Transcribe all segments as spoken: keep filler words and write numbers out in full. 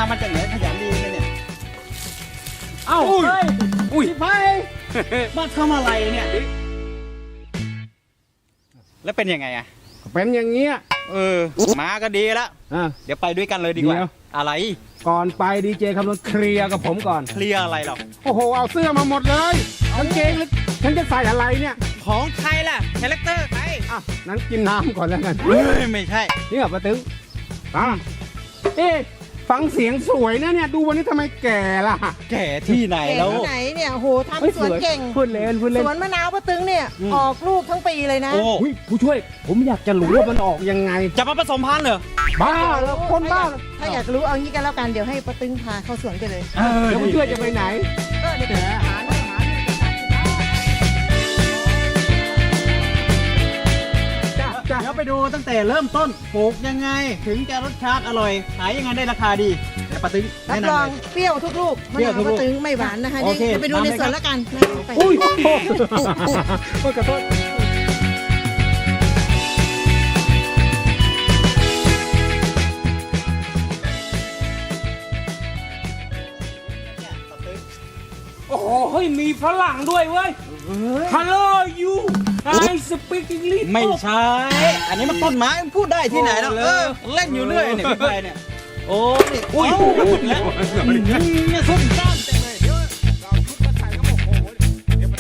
าวมาจากไหนขยันดีเลยเนี่ยเอ้าอุ้ยเฮ้ยอุ้ยพี่ไพมาทำอะไรเนี่ยแล้วเป็นยังไงอะเป็นอย่างเงี้ยเออมาก็ดีแล้วอ่ะเดี๋ยวไปด้วยกันเลยดีกว่าเดี๋ยวอะไรก่อนไปดีเจคำนวณเคลียร์กับผมก่อนเคลียร์อะไรหรอโอ้โห เอาเสื้อมาหมดเลยกางเกงเลยฉันจะใส่อะไรเนี่ยของใครล่ะคาแรคเตอร์ใครอ่ะนั้นกินน้ำก่อนแล้วกันเฮ้ยไม่ใช่นี่เหรอป้าตึงอ่ะเอ๊ะฟังเสียงสวยนะเนี่ย ดูวันนี้ทำไมแก่ล่ะแก่ที่ไหนเก่งแล้วที่ไหนเนี่ยโหฮ้ยทำสวนเก่งพูดเล่นพูดเล่นสวนมะนาวป้าตึงเนี่ยอืมออกลูกทั้งปีเลยนะโอ้อุ้ยผู้ช่วย ผมอยากจะรู้ว่ามันออกยังไงจะมาผสมพันธุ์เหรอบ้าแล้วคนบ้าถ้าอยากรู้เอางี้กันแล้วกันเดี๋ยวให้ป้าตึงพาเข้าสวนกันเลยเออแล้วผู้ช่วยจะไปไหนก็เดี๋ยวไปหาหน่อยหาหน่อยจ้าจ้าเดี๋ยวไปดูตั้งแต่เริ่มต้นปลูกยังไง ถึงจะรสชาติอร่อยขายยังไงได้ราคาดีเดี๋ยวป้าตึงรับแนะรนำองเลยเปรี้ยวทุกลูกมะเปรี้ยนาว วทุกลูป้าก ตึงไม่หวานนะคะโอนี่เคเดี๋ยวไปดูในตามเลยสวนครับแล้วกันนะไปอุ้ยโทษโทษขอโทษโอ้โหเฮ้ยมีฝรั่งด้วยเว้ย Hello you I speak English ไม่ใช่ อันนี้มันต้นไม้มันพูดได้ที่ไหนแล้วโอ้เอเลยอเล่นอยู่เรื่อยเนี่ยพี่ไพเนี่ยโอ้นี่อุ้ยแล้วเนี่ยส้มต้านเต็มเลยเดี๋ยวเราชุดมาใส่ก็โอ้โหเดี๋ยวมัน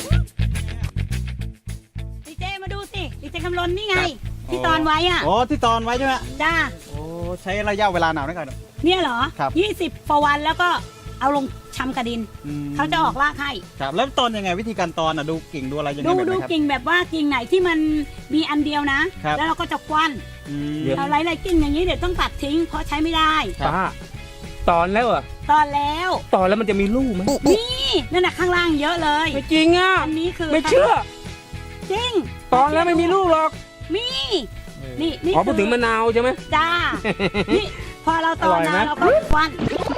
ดีเจมาดูสิดีเจคำลนนี่ไง ที่ตอนไว้อ่ะอ๋อที่ตอนไว้ใช่ไหมจ้าโอ้ใช้ระยะเวลานานด้วยกันเนี่ยเหรอครับยี่สิบฟวันแล้วก็เอาลงชำกระดินอืมเขาจะออกรากให้ครับแล้วตอนยังไงวิธีการตอนอ่ะดูกิ่งดูอะไรยังไงดูแบบดูไหนครับกิ่งแบบว่ากิ่งไหนที่มันมีอันเดียวนะครับแล้วเราก็จะควันอืมเราไล่ๆกิ่งอย่างนี้เดี๋ยวต้องตัดทิ้งเพราะใช้ไม่ได้ครับป้าตอนแล้วเหรอตอนแล้วตอนแล้วมันจะมีลูกไหมนี่นั่นน่ะข้างล่างเยอะเลยไม่จริงอ่ะอันนี้คือไม่เชื่อจริงตอนแล้วไม่มีลูกหรอกมีนี่นี่อ๋อพูดถึงมะนาวใช่ไหมจ้านี่พอเราตอนอร่อยไหมนะเราก็ควัน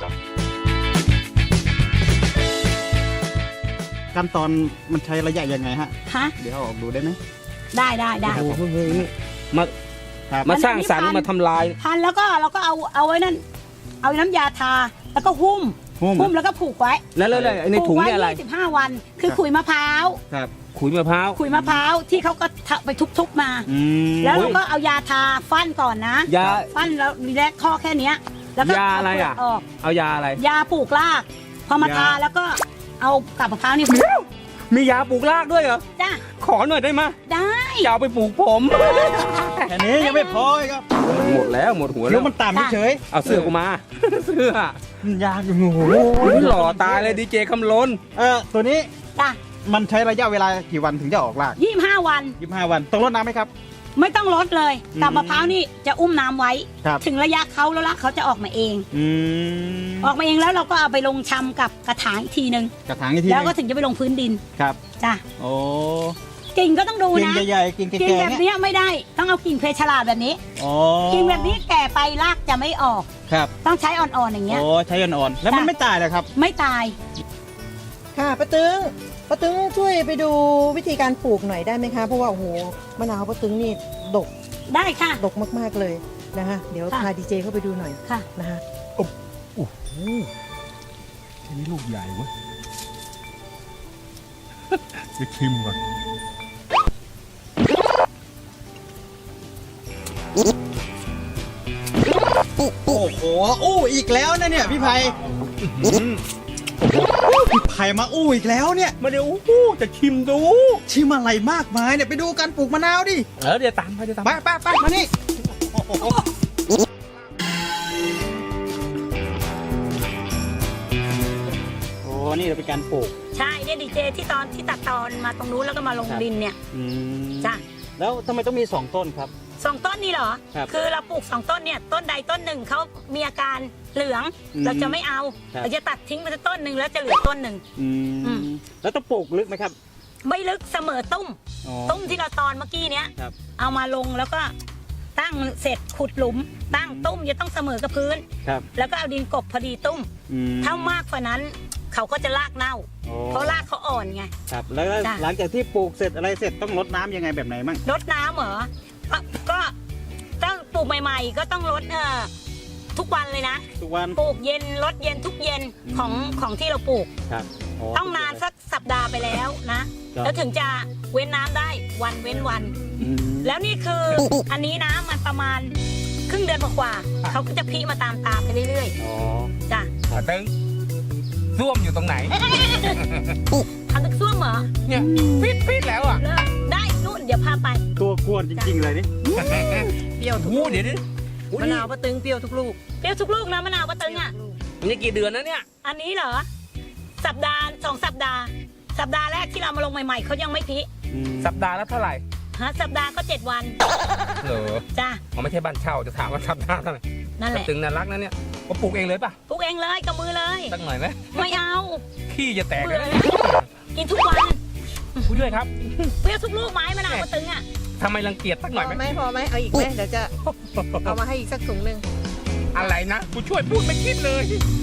ขั้นตอนมันใช้ระยะยังไงฮะฮะเดี๋ยวเอาออกดูได้ไหมได้ได้ได้โอ้โหเฮ้ยนี่มาครับมาสร้างสรรค์อันนี้พันมาทำลายพันแล้วก็เราก็เอาเอาไว้นั่น เอาน้ำยาทาแล้วก็หุ้มหุ้มหุ้มแล้วก็ผูกไว้แล้วแล้วแล้วในถุงเนี่ยอะไรยี่สิบห้าวัน คือขุยมะพร้าวครับขุยมะพร้าวขุยมะพร้าวที่เขาก็ทะไปทุบๆมาอืมแล้วเราก็เอายาทาฟันก่อนนะยาฟันแล้วมีแรกข้อแค่เนี้ย แล้วก็ยาอะไรอ่ะเาเปลืกออกเอายาอะไรยาปลูกราก พอมายาทาแล้วก็เอากับมะพร้าวนี่มียาปลูกรากด้วยเหรอจ้าขอหน่อยได้ไหมได้จะเอาไปปลูกผมแค่นี้ยังไม่พออีกครับหมดแล้วหมดหัวเดี๋แล้ยว วมันต่ำเฉยเอาเสื้อกูมา เสื้อมันยากอยู่โอ้โหหล่อตายเลยดีเจคำลนเออตัวนี้จ้ามันใช้ระยะเวลากี่วันถึงจะออกรากยี่สิบห้าวันยี่สิบห้าวันต้องรดน้ำไหมครับไม่ต้องลดเลยอืมกับมะพร้าวนี่จะอุ้มน้ำไว้ครับถึงระยะเขาแล้วละเขาจะออกมาเองอืมออกมาเองแล้วเราก็เอาไปลงชำกับกระถางอีกทีหนึ่งกระถางอีกทีแล้วก็หนึ่งถึงจะไปลงพื้นดินครับจ้ะโอ้กิ่งก็ต้องดูกิ่งนะใหญ่ๆกิ่งแก่กิ่งๆแบบเนี่ยเนี้ยไม่ได้ต้องเอากิ่งเพชรฉลาดแบบนี้อ๋อกิ่งแบบนี้แก่ไปรากจะไม่ออกครับต้องใช้อ่อนๆอย่างเงี้ยโอ้ใช้อ่อนๆแล้วมันจ้ะไม่ตายเลยครับไม่ตายค่ะป้าตึงป้าตึงช่วยไปดูวิธีการปลูกหน่อยได้ไหมคะเพราะว่าโอ้โหมะนาวป้าตึงนี่ดกได้ค่ะดกมากๆเลยนะคะเดี๋ยวค่ะพาดีเจเข้าไปดูหน่อยค่ะนะคะอันนี้ลูกใหญ่เว้ย จะชิมก่อนโอ้โหอู้อีกแล้วนะเนี่ยพี่ไพพี่ไพมาอู้อีกแล้วเนี่ยมาเดี๋ยวอู้จะชิมดูชิมอะไรมากมายเนี่ยไปดูการปลูกมะนาวดิเออเดี๋ยวตามไปเดี๋ยวตามไปไปไปมานี่โอ้นี่เราเป็นการปลูกใช่เนี่ยดีเจที่ตอนที่ตัดตอนมาตรงนู้นแล้วก็มาลงครับดินเนี่ยอืมจ้ะแล้วทำไมต้องมีสองต้นครับสองต้นนี่เหรอครับคือเราปลูกสองต้นเนี่ยต้นใดต้นหนึ่งเขามีอาการเหลืองอืมเราจะไม่เอาครับเราจะตัดทิ้งไปสักต้นหนึ่งแล้วจะเหลือต้นหนึ่งอือืมมแล้วต้องปลูกลึกไหมครับไม่ลึกเสมอตุ้มอ๋อตุ้มที่เราตอนเมื่อกี้เนี้ยครับเอามาลงแล้วก็ตั้งเสร็จขุดหลุม ตั้งตุ้มจะต้องเสมอกับพื้นครับแล้วก็เอาดินกบพอดีตุ้มอืมถ้ามากกว่านั้น เขาก็จะรากเน่าโอ้เพราะรากเขาอ่อนไงครับแล้วจ้ะหลังจากที่ปลูกเสร็จอะไรเสร็จต้องรดน้ำยังไงแบบไหนมั่งรดน้ำเหรอก็ก็ต้องปลูกใหม่ ๆ ก็ต้องรดเออทุกวันเลยนะทุกวันปลูกเย็นลดเย็นทุกเย็นของของที่เราปลูกครับโต้องนานสักสัปดาห์ไปแล้วนะ แล้วถึงจะเว้นน้ำได้วันเว้นวันอืมแล้วนี่คืออันนี้นะมันประมาณครึ่งเดือนกว่าๆเขาก็จะพิมาตามตาไปเรื่อยอ๋อๆจ้ะปะตึงส้วมอยู่ตรงไหนทำตึกซ่วมเหรอเนี่ยปิดปิดแล้วอ่ะเลิกได้นู่นเดี๋ยวพาไปตัวกวนจริงๆเลยนี่เปรี้ยวทุกโอ้ลูกเดี๋ยวนี้มะนาวป้าตึงเปรี้ยวทุกลูกเปรี้ยวทุกลูกนะมะนาวปะตึงอ่ะมันจะกี่เดือนนะเนี่ยอันนี้เหรอ สัปดาห์สองสัปดาห์ สัปดาห์แรกที่เรามาลงใหม่ๆเขายังไม่พิอืมสัปดาห์ละเท่าไหร่ฮะสัปดาห์ก็เจ็ดวันเหรอจ้ะอ๋อไม่ใช่บ้านเช่าจะถามว่าสัปดาห์เท่าไหร่นั่นแหปะละตึงน่ารักนะเนี่ยก็ปลูกเองเลยป่ะปลูกเองเลยกับมือเลยสักหน่อยไหมไม่เอาขี้จะแตกเบื่เลอย แล้วกินทุกวันผู้ด้วยครับเปรี้ยวทุกลูกไม้มะนาวปะตึงอ่ะทำไมรังเกียจสักหพน่อยอไหมไหมพอไหมเอาอีกไหมเดี๋ยวจะเอามาให้อีกสักถุงหนึ่งอะไรนะกูช่วยพูดไม่คิดเลย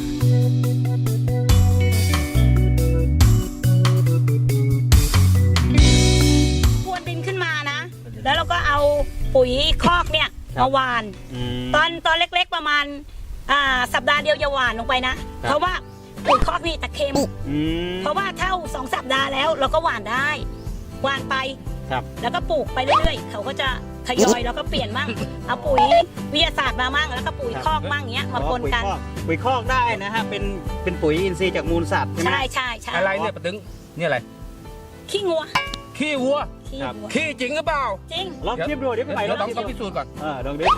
พรวนดินขึ้นมานะ แล้วเราก็เอาปุ๋ยคอกเนี่ยมาหวานอืมตอนตอนเล็กๆประมาณอ่าสัปดาห์เดียวอย่าหวานลงไปนะครับเพราะว่าปุ๋ยคอกนี่ตะเค็มอืมเพราะว่าเท่าสองสัปดาห์แล้วเราก็หวานได้หวานไปครับแล้วก็ปลูกไปเรื่อยๆเขาก็จะทยอยแล้วก็เปลี่ยนมั่งเอาปุ๋ยวิทยาศาสตร์มามั่งแล้วก็ปุ๋ยคอกมั่งเงี้ยมาปนกันอ๋อปุ๋ยคอกปุ๋ยคอกได้นะฮะเป็นเป็นปุ๋ยอินทรีย์จากมูลสัตว์ใช่ไหมใช่ใช่ใช่อะไรเนี่ยปะตึงเนี่ยอะไรขี้งัวขี้วัวขี้ครับวัวขี้จริงหรือเปล่าจริงลองชิมดูเดี๋ยวพี่ไปเดี๋ยวลต้ออง งชิมพิดูสูจน์ก่อนเออลองดิ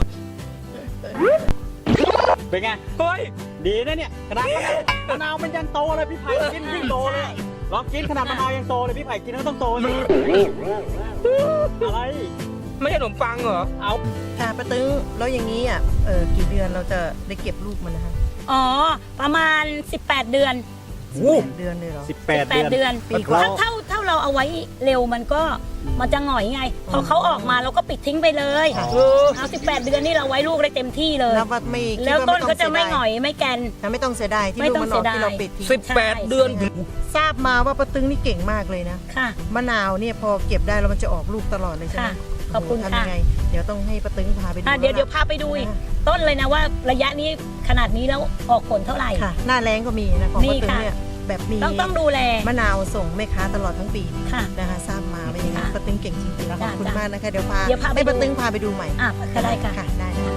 เป็นไงเฮ้ยดีนะเนี่ยขนาดมะนาวมันยังโตเลยพี่ไผ่กินยิ่งโตเลยลองกินขนาดมะนาวยังโตเลยพี่ไผ่กินก็ต้องโตสิอะไรไม่ใช่ขนมปังเหรอเอาค่ะป้าตึงแล้วอย่างนี้อ่ะเออกี่เดือนเราจะได้เก็บลูกมันนะคะอ๋อประมาณสิบแปดเดือนสิบแปดเดือนเลยเหรอสิบแปดแปดเดืเดืออน นปีกว่าถ้าเท่าเท่าเราเอาไว้เร็วมันก็มันจะหงอยไง พอเขาออกมาเราก็ปิดทิ้งไปเลยค่ะเออเอาสิบแปดเดือนนี่เราไว้ลูกได้เต็มที่เลยแล้วว่าไม่คิดแล้วว่าต้นไม่ก็องจะไม่เสียหงดายอยไม่แกนนะไม่ต้องเสียดายที่ไม่ลูกต้องมันออกเสียดายที่เราปิดทิ้งสิบแปดใช่เดือนทราบมาว่าป้าตึงนี่เก่งมากเลยนะค่ะมะนาวเนี่ยพอเก็บได้แล้วมันจะออกลูกตลอดเลยใช่ไหมค่ะขอบคุณโโหทำค่ะยังไง เดี๋ยวต้องให้ป้าตึงพาไปดูอ่ะเดี๋ยวแล้เดี๋ยวพาไปดูอีกต้นเลยนะว่าระยะนี้ขนาดนี้แล้วออกผลเท่าไหร่ค่ะ หน้าแรงก็มีนะของมีป้าตึงค่ะเนี่ยแบบมีต้องต้องดูแลมะนาวส่งแม่ค้าตลอดทั้งปีค่ะนะคะทราบมาว่าอย่างนี้ค่ะป้าตึงเก่งจริงๆขจ้ะอบคุณจ้ะมากนะคะเดี๋ยวพาเดี๋ยวพาไปให้ป้าดูตึงพาไปดูใหม่อ่ะก็ได้ค่ะค่ะได้ค่ะ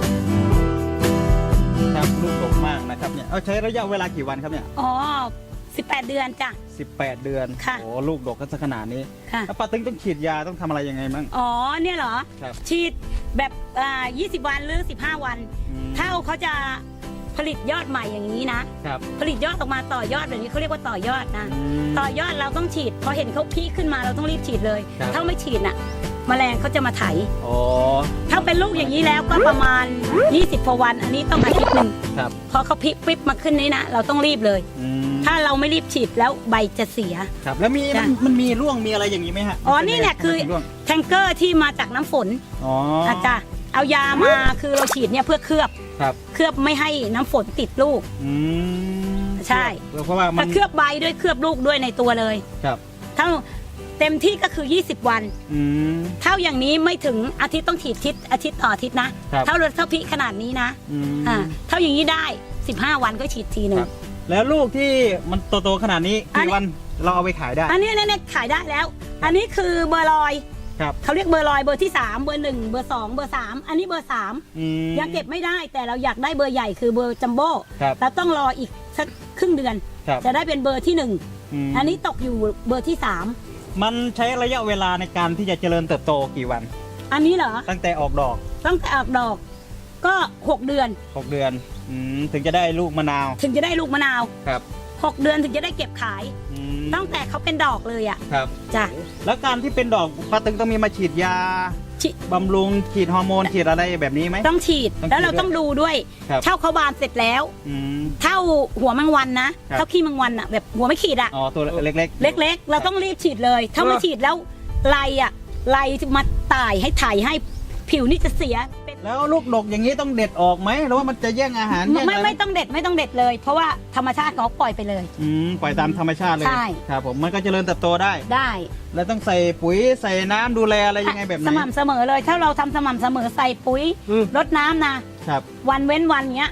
ครับลูกดกมากนะครับเนี่ยเอาใช้ระยะเวลากี่วันครับเนี่ยอ๋อสิบแปดเดือนจ้ะสิบแปดเดือนค่ะโอ้ลูกดกกันสักขนาดนี้ค่ะแล้วป้าตึงต้องฉีดยาต้องทำอะไรยังไงมั่งอ๋อเนี่ยเหรอครับฉีดแบบอ่ายี่สิบวันหรือสิบห้าวันอืมถ้าเขาจะผลิตยอดใหม่อย่างนี้นะครับผลิตยอดออกมาต่อยอดแบบนี้เขาเรียกว่าต่อยอดนะอืมต่อยอดเราต้องฉีด พอเห็นเขาพีคขึ้นมาเราต้องรีบฉีดเลยครับถ้าไม่ฉีดน่ะแมลงเขาจะมาไถอ๋อถ้าเป็นลูกอย่างนี้แล้วก็ประมาณยี่สิบกว่าวัน อันนี้ต้องอาทิตย์หนึ่งครับพอเขาพลิกปิ๊บมาขึ้นนี้นะเราต้องรีบเลยอืมถ้าเราไม่รีบฉีดแล้วใบจะเสียครับแล้วมีจ้ะมันมันมีร่วงมีอะไรอย่างนี้ไหมฮะอ๋อนี่เนี่ยคือทำไมถึงร่วงแทงเกอร์ที่มาจากน้ำฝนอ๋ออาจจะเอายามาคือเราฉีดเนี่ยเพื่อเคลือบครับเคลือบไม่ให้น้ำฝนติดลูกอืมใช่เพราะว่ามัถ้าน เคลือบใบด้วยเคลือบลูกด้วยในตัวเลยครับถ้าเต็มที่ก็คือยี่สิบวันอืมเท่าอย่างนี้ไม่ถึงอาทิตย์ต้องฉีดทิศอาทิตย์ต่ออาทิตย์นะครับ เท่าเท่าพิขนาดนี้นะอืมอ่าเท่าอย่างนี้ได้สิบห้าวันก็ฉีดทีหนึ่คงรับ แล้วลูกที่มันโตๆขนาดนี้อันกี่นี้วันเราเอาไปขายได้อันนี้เนี่ยเนี่ยขายได้แล้ว อันนี้คือเบอร์ลอยครับเขาเรียกเบอร์ลอยเบอร์ที่สามเบอร์หนึ่งเบอร์สองเบอร์สามอันนี้เบอร์สามอืมยังเก็บไม่ได้แต่เราอยากได้เบอร์ใหญ่คือเบอร์จัมโบ้ครับเราต้องรออีกสักครึ่งเดือนครับจะได้เป็นเบอร์ที่หนึ่งมอันนี้ตกอยู่เบอร์ที่สามมันใช้ระยะเวลาในการที่จะเจริญเติบโตกี่วันอันนี้เหรอตั้งแต่ออกดอกตั้งแต่ออกดอก ก็หกเดือนหกเดือนอืมถึงจะได้ลูกมะนาวถึงจะได้ลูกมะนาวครับหกเดือนถึงจะได้เก็บขายอืมตั้งแต่เขาเป็นดอกเลยอ่ะครับจ้ะแล้วการที่เป็นดอกป้าตึงต้องมีมาฉีดยาฉีบำรุงฉีดฮอร์โมนฉีดอะไรแบบนี้ไหมต้องฉีดต้องฉีดแล้วเราต้องดูด้วยครับเท่าเขาบานเสร็จแล้วอืมเท่าหัวแมงวันนะครับ เท่าขี้แมงวันอ่ะแบบหัวไม่ขีดอ่ะอ๋อตัวเล็กเล็กๆ เราต้องรีบฉีดเลย ถ้าไม่เออฉีดแล้วไรอ่ะไรจะมาตายให้ถ่ายให้ผิวนี่จะเสียเป็นๆแล้วลูกดกอย่างนี้ต้องเด็ดออกไหมหรือว่ามันจะแย่งอาหารแย่งไม่อะไรไม่ต้องเด็ดไม่ต้องเด็ดเลย เพราะว่าธรรมชาติเขาปล่อยไปเลยอืมปล่อยตามธรรมชาติเลยใช่ครับผมมันก็เจริญเติบโตได้ได้แล้วต้องใส่ปุ๋ยใส่น้ำดูแลอะไรยังไงแบบไหนสม่ำเสมอเลย ถ้าเราทำสม่ำเสมอใส่ปุ๋ยอืมรดน้ำนะครับ วันเว้นวันเนี้ย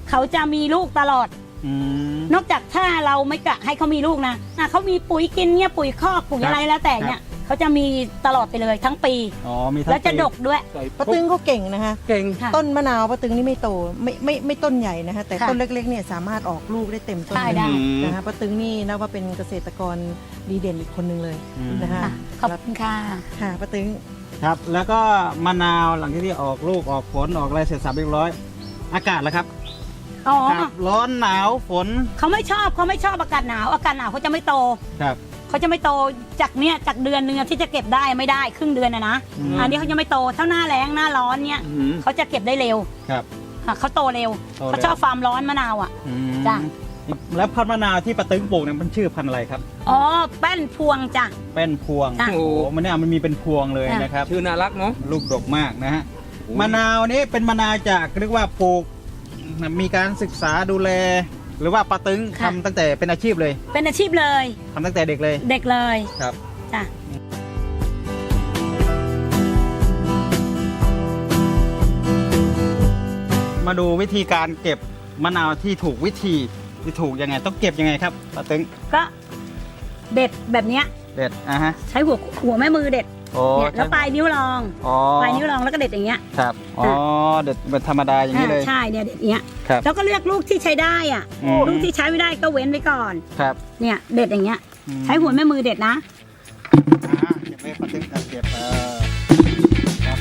เขาจะมีลูกตลอดอืมนอกจากถ้าเราไม่กะให้เขามีลูกนะอ่ะเขามีปุ๋ยกินเนี่ยปุ๋ยคอกปุ๋ยครับอะไรแล้วแต่เนี่ยเขาจะมีตลอดไปเลยทั้งปีอ๋อมีทั้งแล้วจะปีดกด้วยป้าตึงเขาเก่งนะคะเก่งค่ะต้นมะนาวป้าตึงนี่ไม่โตไม่ไม่ไม่ต้นใหญ่นะคะแต่ค่ะต้นเล็กๆเนี่ยสามารถออกลูกได้เต็มต้นใช่ได้นะคะป้าตึงนี่นับว่าเป็นเกษตรกรดีเด่นอีกคนหนึ่งเลยอืมนะคะค่ะขอบคุณค่ะค่ะป้าตึงครับ แล้วก็มะนาวหลังจากที่ออกลูกออกผลออกอะไรเสร็จสับเรียบร้อย อากาศแล้วครับอ๋อครับร้อนหนาวฝนเขาไม่ชอบเขาไม่ชอบอากาศหนาวอากาศหนาวเขาจะไม่โตครับเขาจะไม่โตจากเนี้ยจากเดือนหนึงอะที่จะเก็บได้ไม่ได้ครึ่งเดือนนะนะอืมอันนี้เขาจะไม่โตเท่าหน้าแล้งหน้าร้อนเนี่ยอืมเขาจะเก็บได้เร็วครับค่ะเขาโตเร็วโตเร็วเขาชอบฟาร์มร้อนมะนาวอ่ะอืมจ้ะแล้วพันธุ์มะนาวที่ป้าตึงปลูกเนี่ยมันชื่อพันธุ์อะไรครับอ๋อแป้นพวงจ้ะเป็นพวงจ้ะโอ้โหมันเนี่ยมันมีเป็นพวงเลยจ้ะนะครับชื่อน่ารักเนาะลูกดกมากนะฮะมะนาวนี้เป็นมะนาวจากเรียกว่าปลูกมีการศึกษาดูแล หรือว่าป้าตึงทำตั้งแต่เป็นอาชีพเลยเป็นอาชีพเลยทำตั้งแต่เด็กเลยเด็กเลยครับจ้ะมาดูวิธีการเก็บมะนาวที่ถูกวิธีที่ถูกยังไงต้องเก็บยังไงครับป้าตึงก็เด็ดแบบเนี้ยเด็ดอ่ะฮะใช้หัวหัวแม่มือเด็ดโอ้เนี่ยแล้วปลายนิ้วรองอ๋อปลายนิ้วรองแล้วก็เด็ดอย่างเงี้ยครับอ๋อเด็ดเป็นธรรมดาอย่างนี้เลยอ่าใช่เนี่ยเด็ดอย่างเงี้ยครับแล้วก็เลือกลูกที่ใช้ได้อ่ะอืมลูกที่ใช้ไม่ได้ก็เว้นไว้ก่อนครับเนี่ยเด็ดอย่างเงี้ยอืมใช้หัวแม่มือเด็ดนะอ่าเก็บไว้ป้าตึงครับเก็บเออครับ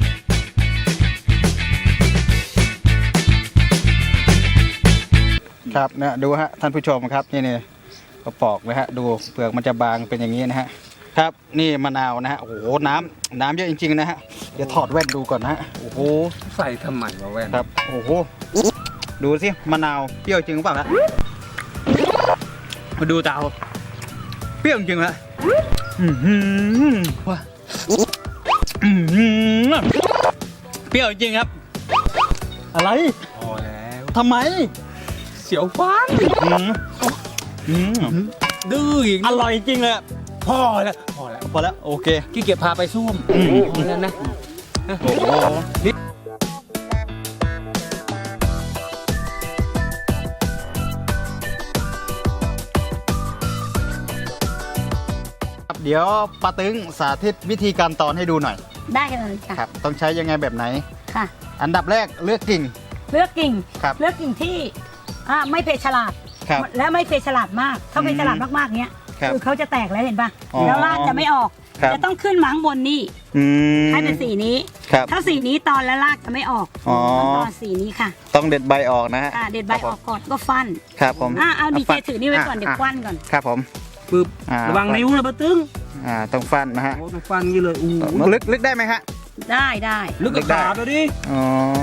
ครับเนี่ยดูฮะท่านผู้ชมครับนี่นี่กระปอกนะฮะดูเปลือกมันจะบางเป็นอย่างนี้นะฮะครับนี่มะนาวนะฮะโอ้โหน้ำน้ำเยอะจริงๆนะฮะเดี๋ยวถอดแว่นดูก่อนนะฮะโอ้โหใส่ทำไมวะแว่นครับโอ้โหดูสิมะนาวเปรี้ยวจริงหรือเปล่าฮะมาดูเตาเปรี้ยวจริงฮะอื้อหือว้าอื้อหือเปรี้ยวจริงครับ อะไรพอแล้วทำไมเสียวฟันอืมอืมดื้ออีกอร่อยจริงเลยอะพอแล้วพอแล้วพอแล้วโอเคขี้เกียจพาไปซ่วมอืมพอแล้วนะโอ้โหครับเดี๋ยวป้าตึงสาธิตวิธีการตอนให้ดูหน่อยได้เลยค่ะครับ ต้องใช้ยังไงแบบไหนค่ะอันดับแรกเลือกกิ่งเลือกกิ่งครับเลือกกิ่งที่อ่าไม่เพฉลาดครับและไม่เพฉลาดมาก ถ้าอืมเพฉลาดมากๆเนี้ยครับคือเขาจะแตกแล้วเห็นปะอ๋อแล้วรากจะไม่ออกครับจะต้องขึ้นมาข้างบนนี่อืมให้เป็นสีนี้ครับถ้าสีนี้ตอนแล้วรากจะไม่ออกอ๋อต้องตอนสีนี้ค่ะต้องเด็ดใบออกนะฮะอ่าเด็ดใบออกก่อนก็ฟันครับผมอ่าเอาดีเจฟัถือนี่ไว้ก่อนเดี๋ยวควันก่อนครับผมปึ๊บอ่าระวังนิ้วนะป้าตึ้งอ่าต้องฟันนะฮะโอ้ต้องฟันงี้เลยอู้ลึกลึกได้ไหมฮะได้ได้ลึกกับขาดเลยดิอ๋อ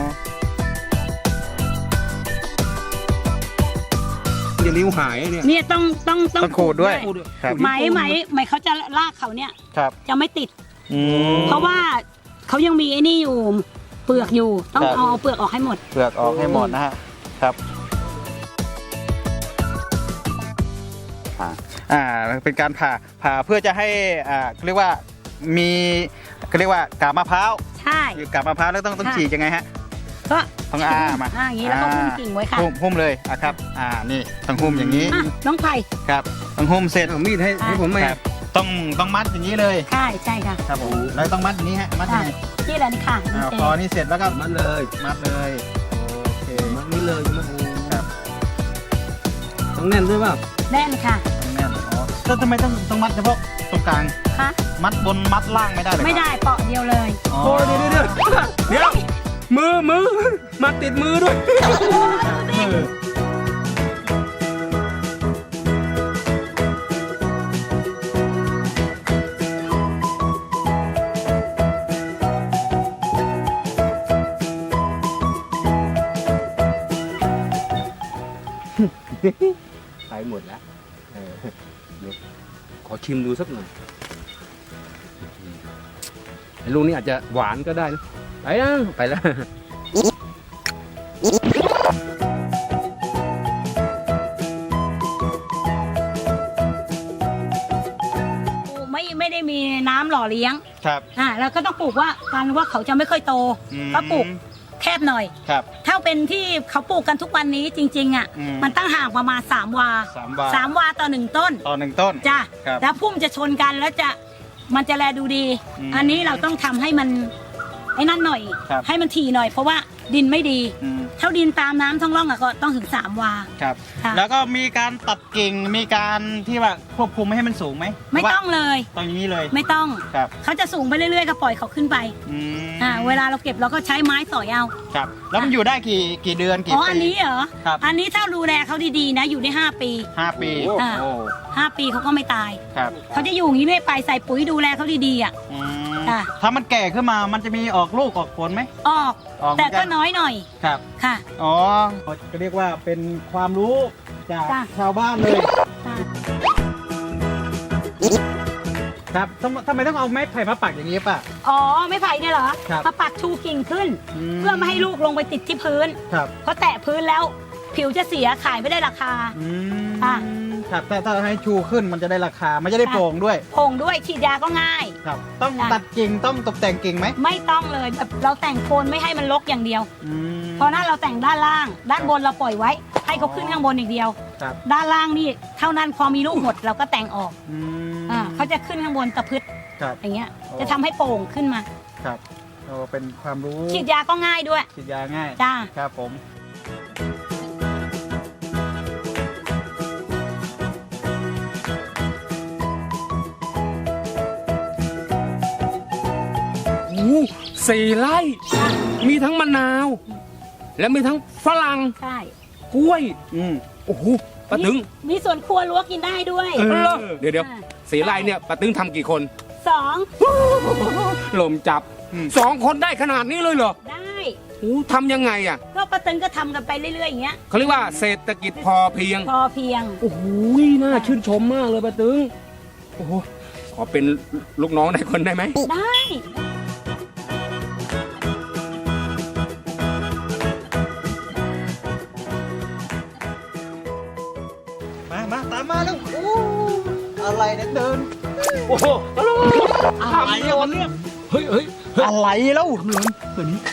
อย่านิ้วหายเนี่ยเนี่ยต้องต้องต้องขูดด้วยขูดด้วยครับไหมไหมไหมเขาจะรากเขาเนี่ยครับจะไม่ติดอืมเพราะว่าเขายังมีไอ้นี่อยู่เปลือกอยู่ต้องครับเอาเปลือกออกให้หมดเปลือกออกให้หมดนะฮะครับอ่าอ่าเป็นการผ่าผ่าเพื่อจะให้อ่าเรียกว่ามีเรียกว่ากาบมะพร้าวใช่อยู่กาบมะพร้าวแล้วต้องต้องค่ะฉีกยังไงฮะก็ต้องอ้ามาอ่าอย่างนี้แล้วก็หุ้มกิ่งไว้ค่ะหุ้มหุ้มเลยอ่ะครับอ่านี่ต้องหุ้มอย่างนี้อ่ะน้องไผ่ครับต้องหุ้มเสร็จเอามีดให้ให้ผมไหมครับต้องต้องมัดอย่างนี้เลยใช่ใช่ค่ะครับผมแล้วต้องมัดอย่างนี้ฮะมัดยังไงที่อะไรนี่ค่ะอ่าดีเจพอนี่เสร็จแล้วก็มันเลยมัดเลยโอเคมันนี่เลยใช่ไหมครับต้องแน่นด้วยเปล่าแน่นค่ะแน่นอ๋อแล้วทำไมต้องต้องมัดเฉพาะตรงกลางคะมัดบนมัดล่างไม่ได้เลยไม่ได้เปาะเดียวเลยอ๋อโอ้ยเดี๋ยวเดี๋ยวเดี๋ยวมือมือมาติดมือด้วย ไปหมดแล้วเออเดี๋ยวขอชิมดูสักหน่อยไอ้ลูกนี้อาจจะหวานก็ได้นะไปนะไปแล้วไม่ไม่ได้มีน้ำหล่อเลี้ยงครับอ่าแล้วก็ต้องปลูกว่ากันว่าเขาจะไม่ค่อยโตอืมก็ปลูกแคบหน่อยครับถ้าาเป็นที่เขาปลูกกันทุกวันนี้จริงๆอ่ะอืมมันตั้งห่างประมาณสามวาสามวาสามวาต่อหนึ่งต้นต่อหนึ่งต้นจ้ะครับแล้วพุ่มจะชนกันแล้วจะมันจะแลดูดีอืมอันนี้เราต้องทำให้มันไอ้นั่นหน่อยครับให้มันถี่หน่อยเพราะว่าดินไม่ดีอืมถ้าดินตามน้ำท้องร่องอะก็ต้องถึงสามวาครับค่ะแล้วก็มีการตัดกิ่งมีการที่ว่าควบคุมไม่ให้มันสูงไหมไม่ต้องเลยตรงนี้เลยไม่ต้องครับเขาจะสูงไปเรื่อยๆก็ปล่อยเขาขึ้นไปอืมอ่าเวลาเราเก็บเราก็ใช้ไม้สอยเอาครับ แล้วมันอยู่ได้กี่กี่เดือนกี่อ๋อปีอันนี้เหรอครับอันนี้ถ้าดูแลเขาดีๆนะอยู่ได้ห้าปีห้าปีอ่าโอ้ห้าปีเขาก็ไม่ตายครับเขาจะอยู่อย่างนี้เรื่อยไปใส่ปุ๋ยดูแลเขาดีๆอ่ะอืมค่ะถ้ามันแก่ขึ้นมามันจะมีออกลูกออกผลไหมออกออกเหมืแต่อนกันก็น้อยหน่อยครับค่ะอ๋อก็เรียกว่าเป็นความรู้จากจ้ะชาวบ้านเลยค่ะครับทำทำไมต้องเอาไม้ไผ่มาปักอย่างนี้ป่ะอ๋อไม่ไผ่เนี่ยเหรอครับมาปักชูกิ่งขึ้นอืมเพื่อไม่ให้ลูกลงไปติดที่พื้นครับเพราะแตะพื้นแล้ว ผิวจะเสียขายไม่ได้ราคาอืมค่ะครับถ้าถ้าให้ชูขึ้นมันจะได้ราคามันจะได้โปร่งด้วยผงด้วยฉีดยาก็ง่ายครับ ต้องจ้ะตัดกิ่งต้องตกแต่งกิ่งไหมไม่ต้องเลยแบบเราแต่งโคนไม่ให้มันรกอย่างเดียวอืมเพราะนั้นเราแต่งด้านล่าง ด้านบนเราปล่อยไว้ ให้เขาขึ้นข้างบนอย่างเดียวครับด้านล่างนี่เท่านั้นพอมีลูกหมดเราก็แต่งออกอืมอ่าเขาจะขึ้นข้างบนตะพืชครับอย่างเงี้ยโอ้จะทำให้โป่งขึ้นมาครับโอ้เป็นความรู้ฉีดยาก็ง่ายด้วยฉีดยาง่ายจ้าครับผมโอ้โหสี่ไร่ มีทั้งมะนาว และมีทั้งฝรั่งใช่กล้วยอืมโอ้โหป้าตึงมีสวนครัวรั้วกินได้ด้วยเออเหรอเดี๋ยวเดี๋ยวอ่าสี่ไร่เนี่ยป้าตึงทำกี่คนสองลมจับสองคนได้ขนาดนี้เลยเหรอได้โอ้ทำยังไงอ่ะก็ป้าตึงก็ทำกันไปเรื่อยๆอย่างเงี้ยเขาเรียกว่าเศรษฐกิจพอเพียงพอเพียงโอ้โหน่าชื่นชมมากเลยป้าตึง โอ้โหขอเป็นลูกน้องในคนได้ไหมได้มามาตามมาแล้วโอ้อะไรเนี่ยเดินโอ้โหอะไรอะมันเนี่ยเฮ้ยเฮ้ยอะไรแล้วทำเลยตัวนี้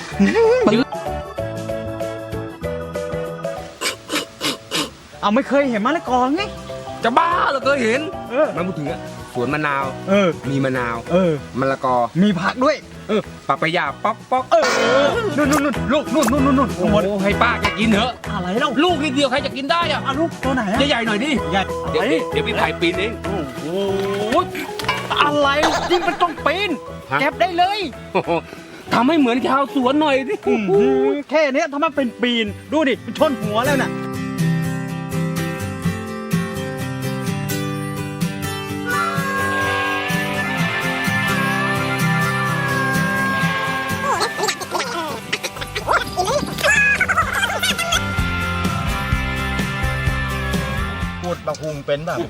เอาไม่เคยเห็นมะละกอไงจะบ้าเหรอเคยเห็นเออมันพูดถึงอะสวนมะนาวเออมีมะนาวเออมะละกอมีผักด้วยเออปะปะยาป๊อกป๊อกเออนู่นนู่นนู่นลูกนู่นนู่นนู่นนู่นโอ้โหให้ป้าแกกินเถอะอะไรแล้วลูกนิดเดียวใครจะกินได้อะอ่ะลูกตัวไหนอะใหญ่ๆหน่อยดิใหญ่เดี๋ยวอะไรเดี๋ยวพี่ไผ่ปีนเองโอ้โหอะไรยิ่งเป็นต้องปีนฮะเก็บได้เลยโอ้โหทำให้เหมือนชาวสวนหน่อยดิอื้อหือแค่เนี้ยทำไมเป็นปีนดูดิมันชนหัวแล้วน่ะพูดบักฮุงเป็นแบบ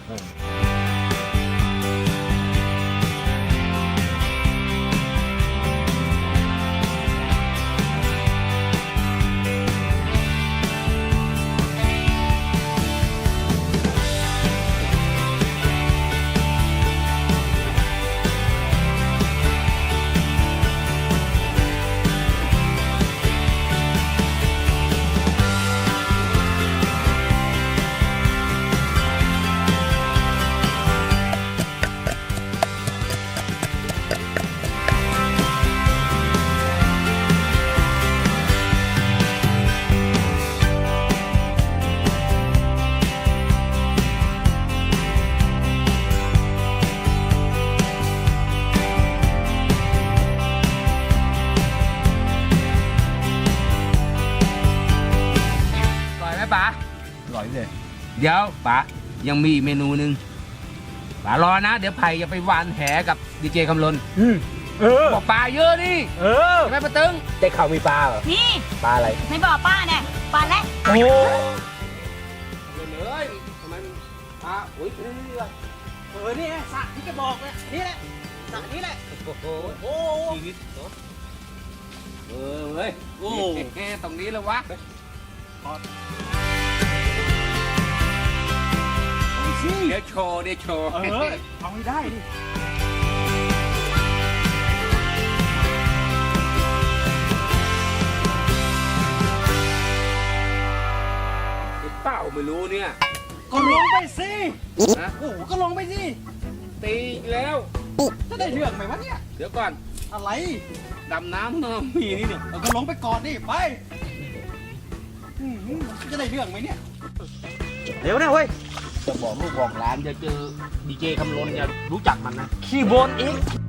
อร่อยไหมป๋าอร่อยเลยเดี๋ยวป๋ายังมีอีกเมนูหนึ่งป๋ารอนะ เดี๋ยวไผ่จะไปหวานแหกับดีเจคำลนอืมเออบอกปลาเยอะนี่เออใช่ไหมป้าตึงได้ข่าวมีปลาเหรอนี่ปลาอะไรไม่บอกป้าเนี่ยปลาและโอ้เลยทำไมปลาโอ้ยนี่เออนี่ไงสระที่จะบอกเนี่ยนี่แหละสระนี้แหละโอ้โหโอ้ชีวิตเนอะเออเว้ยโอ้ตรงนี้เลยวะเดี๋ยวโชว์เดี๋ยวโชว์เออเอาให้ได้ดิก็ลงไปสินะโอ้โหก็ลงไปสิตีอีกแล้วจะได้เรื่องไหมวะเนี่ยเดี๋ยวก่อนอะไรดำน้ำเนอะมีนี่เนี่ยเออก็ลงไปก่อนดิไปอืมจะได้เรื่องไหมเนี่ยเร็วนะเว้ยจะบอกลูกบอกหลานจะเจอดีเจคำลนอย่ารู้จักมันนะขี้บนเอง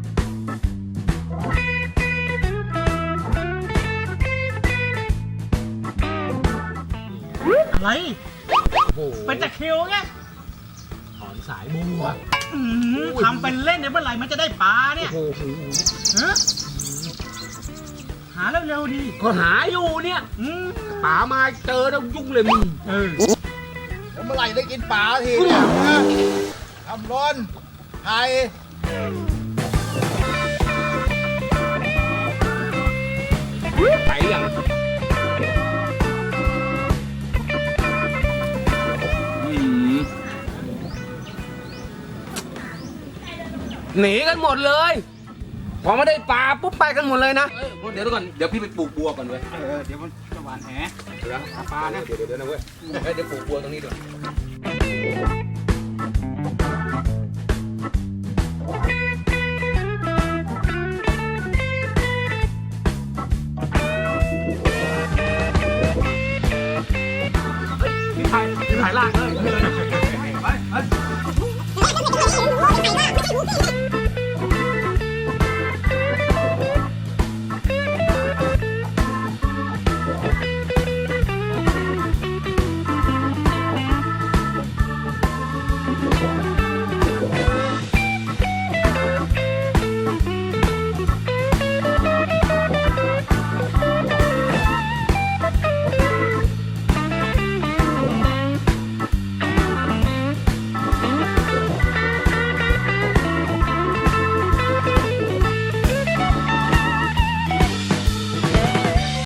อะไรโอ้โหเป็นตะคริวไงถอนสายบัวอืมทำเป็นเล่นเนี่ยเมื่อไหร่มันจะได้ปลาเนี่ยโอ้โหฮะหาเร็วๆดีก็หาอยู่เนี่ยอืมป๋ามาเจอแล้วยุ่งเลยมึงเออแล้วเมื่อไหร่ได้กินปลาทีเนี่ยนะทำร้อนไทยไปอย่างอืมหนีกันหมดเลย พอไม่ได้ปลาปุ๊บไปกันหมดเลยนะเดี๋ยวก่อนเดี๋ยวพี่ไปปลูกบัวก่อนเว้ยเออเดี๋ยวมันจะหวานแหเดี๋ยวหาปลานะเดี๋ยวเดี๋ยวนะเว้ยเดี๋ยวปลูกบัวตรงนี้ด้วย